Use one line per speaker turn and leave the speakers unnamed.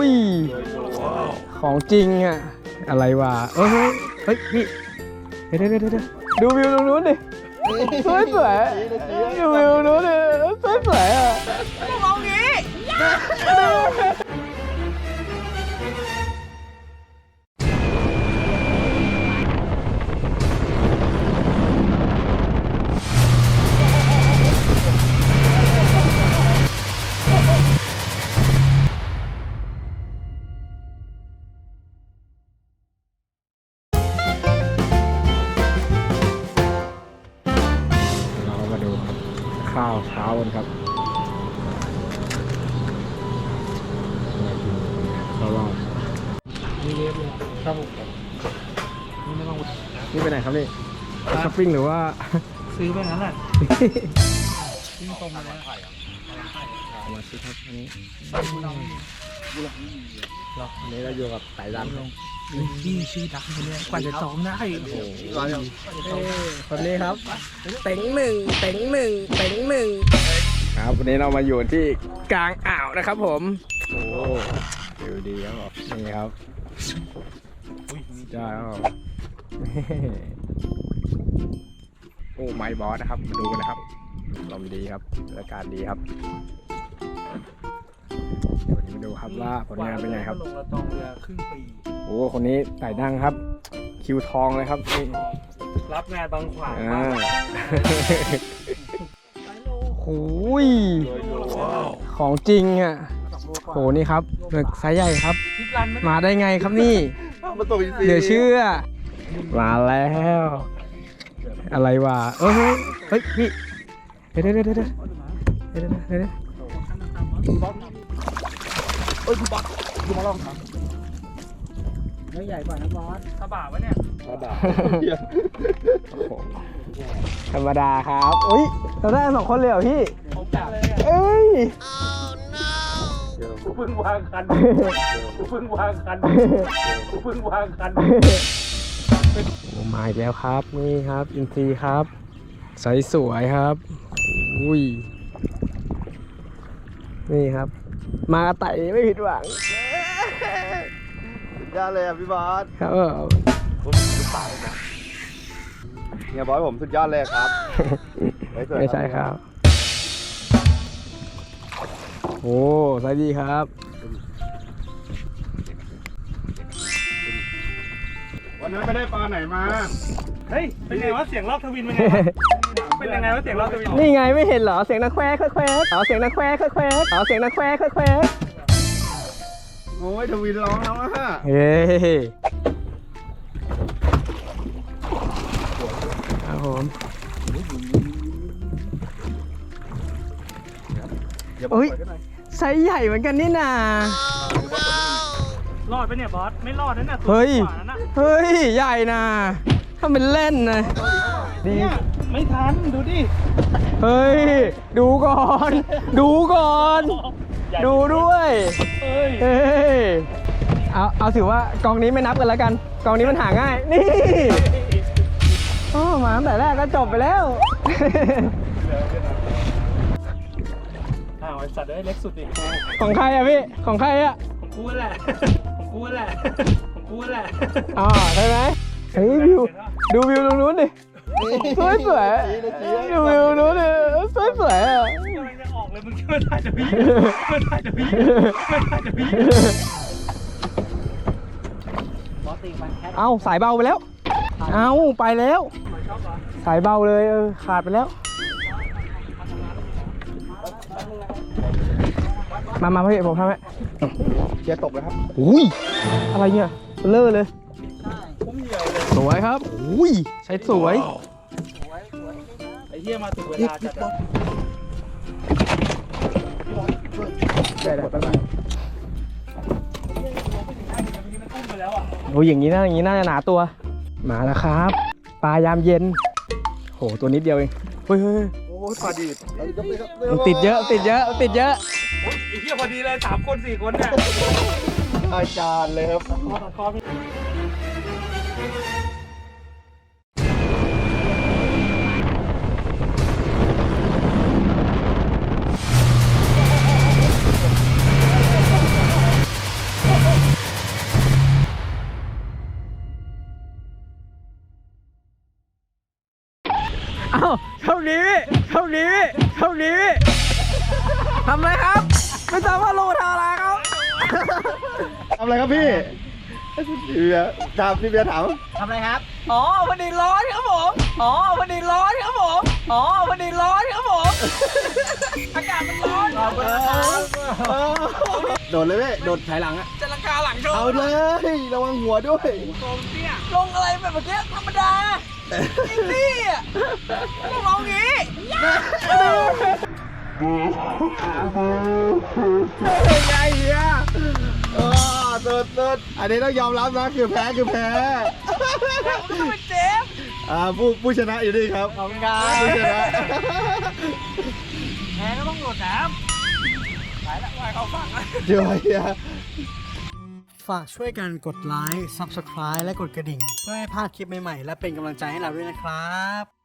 ยของจริงอะอะไรวะเฮ้ยพี่เดี๋ยวดูวิวตรงนู้นดิสวยดูวิวนู้นดิสวยอ่ะมองงี้ข้าวเช้ากันครับข้าวรอบนี่เล็บเลยครับนี่ไม่ต้องนี่ไปไหนครับนี่ช้อปปิ้งหรือว่าซื้อไปงั้นแหละวิ่งตรงมาแล้วมาซื้อครับอันนี้เราอยู่กับไต่ดำที่ชื่อดังคนนี้กว่าจะซ้อมได้โอ้โหคนนี้ครับเต็งหนึ่งครับวันนี้เรามาอยู่ที่กลางอ่าวนะครับผมโอ้วิวดีครับนี่ครับจ้าโอ้ไมค์บอสนะครับมาดูกันนะครับลมดีครับอากาศดีครับวันนี้มาดูครับว่าผลงานเป็นไงครับลงละตองเรือครึ่งปีโอ้คนนี้ไต่ดังครับคิวทองเลยครับนี่รับงานบางขวางโอ้ยของจริงอ่ะโหนี่ครับหมึกไซส์ใหญ่ครับมาได้ไงครับนี่เดี๋ยวเชื่อมาแล้วอะไรวะเฮ้ยพี่เดี๋ยวพี่บอสดูมาลองครับเนื้อใหญ่กว่านะบอสกระบะวะเนี่ยกระบะธรรมดาครับอุ้ยเราได้2 คนเลยเหรอพี่เอ้ยกูเพิ่งวางคันโอ้มาอีกแล้วครับนี่ครับอินทรีครับใสสวยครับอุ้ยนี่ครับมากระไต่ไม่ผิดหวัง
ยอดเลยอ่ะพี่บอส
ครับ
ผมสุดปากนะเนี่ยบอสผมสุดยอดเลยครับ
ไม่ใช่ครับโอ้สวัสดีครับ
วันนั้นไม่ได้ปลาไหนมา
เฮ้ยเป็นไงวะเสียงรอบทวินเป็นไงวะเป็นยังไงวะเสียงรอบทวิน
นี่ไงไม่เห็นเหรอเสียงนักแควกเสียงนักแควกเสียงนักแควก
โอ้ยทวินร้องแล้วฮะ
เฮ้ครับผมเฮ้ยไซส์ใหญ่เหมือนกันนี่นาร
อดไปเนี่ยบอสไม่รอดนั่นน่ะ
เฮ้ยใหญ่นะถ้าเป็นเล่นนะ
ดีไม่ทันดูดิ
เฮ้ยดูก่อนดูด้วยเฮ้ยเอาถือว่ากองนี้ไม่นับกันแล้วกันกองนี้มันหาง่ายนี่มาตั้งแต่แรกก็จบไปแล้ว
สัตว์ได้เล็กสุดดิ
ของใครอะพี่ของใครอะ
ของกูแหละ
ใช่ไหมเฮ้ยวิวดูวิวตรงนู้นดิสวยดูวิวนู้นดิสวยอ่ะ
กำลังจะออกเลยมึงช่วยถ่ายจะพี
เอาสายเบาไปแล้วเอาไปแล้วสายเบาเลยขาดไปแล้วมาพี่ผมทำให้
เชียร์ตกเลยครับ
อุ้ยอะไรเนี่ยเลอะเลยสวยครับอุ้ยใช้สวย
ไอ้เหี้ยมาถึงเวลาจัด
โอ้ยอย่างนี้น่าจะหนาตัวมาแล้วครับปลายามเย็นโหตัวนิดเดียวเองเฮ้ย
โอ้ปลาดีด
ติดเยอะ
ไอ้เหี้ยพอดีเลย3 คน 4 คนเนี่ย
อาจารย์เลยครับทำอะไรครับพี่พี่เบียร์ถามพี่เบียร์ถาม
ทำอะไรครับ อ๋อพอดีร้อนครับผม อ๋อพอดีร้อนครับผม อ๋อพอดีร้อนครับผม อากาศมันร้อน
โดดเลยพี่โดดถ่ายหลังอะ
จะลังกาหลังโชว์
เอาเลยระวังหัวด้วย
ลงอะไรแบบเมื่อกี้ธรรมดาอินดี้อ่ะต้องลองงี้
ไงเฮียสุดอันนี้ต้องยอมรับนะคือแพ้
ผมต้องเป็นเจฟ
ผู้ชนะอยู่นี่ครับ
ขอบคุณครับ
ผู้ชนะ
แพ้ก็ต้องโดดน้ำไปละว่ายเขาฟังนะ
เดี๋ยวเฮีย
ฝากช่วยกันกดไลค์ Subscribe และกดกระดิ่ง เพื่อให้พลาดคลิปใหม่ๆ และเป็นกำลังใจให้เราด้วยนะครับ